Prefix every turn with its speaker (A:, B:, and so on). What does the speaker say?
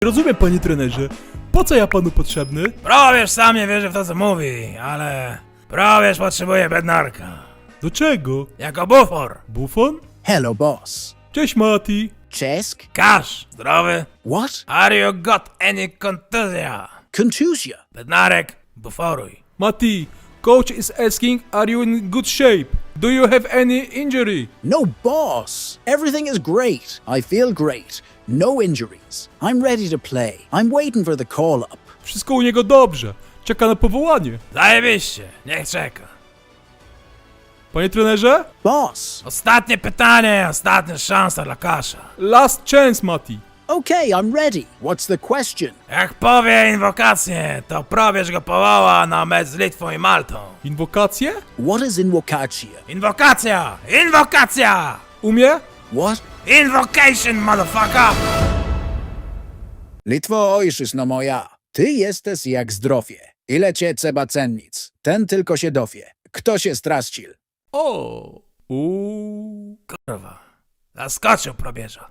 A: Rozumiem, panie trenerze. Po co ja panu potrzebny?
B: Probierz sam nie wierzy w to, co mówi, ale probierz potrzebuje bednarka.
A: Do czego?
B: Jako bufor.
A: Bufon?
C: Hello, boss.
A: Cześć, Mati.
C: Czesk?
B: Kasz, zdrowy?
C: What?
B: Are you got any kontuzja?
C: Contusia?
B: Bednarek, buforuj.
A: Mati, coach is asking, are you in good shape? Do you have any injury?
C: No, boss. Everything is great. I feel great. No injuries. I'm ready to play. I'm waiting for the call-up.
A: Wszystko u niego dobrze. Czeka na powołanie.
B: Zajebiście, niech czeka.
A: Panie trenerze?
C: Boss.
B: Ostatnie pytanie, ostatnia szansa dla Kasza.
A: Last chance, Mati.
C: Okay, I'm ready. What's the question?
B: Jak powie inwokację, to probierz go powoła na mecz z Litwą i Maltą.
A: Inwokacje?
C: What is invocatia?
B: Inwokacja! Inwokacja!
A: Umie?
C: What?
B: Invocation, motherfucker!
C: Litwo ojczyzno moja, ty jesteś jak zdrowie. Ile cię trzeba cennic? Ten tylko się dowie. Kto się straścił?
A: O. Uuu.
B: Kurwa, zaskoczył probierza.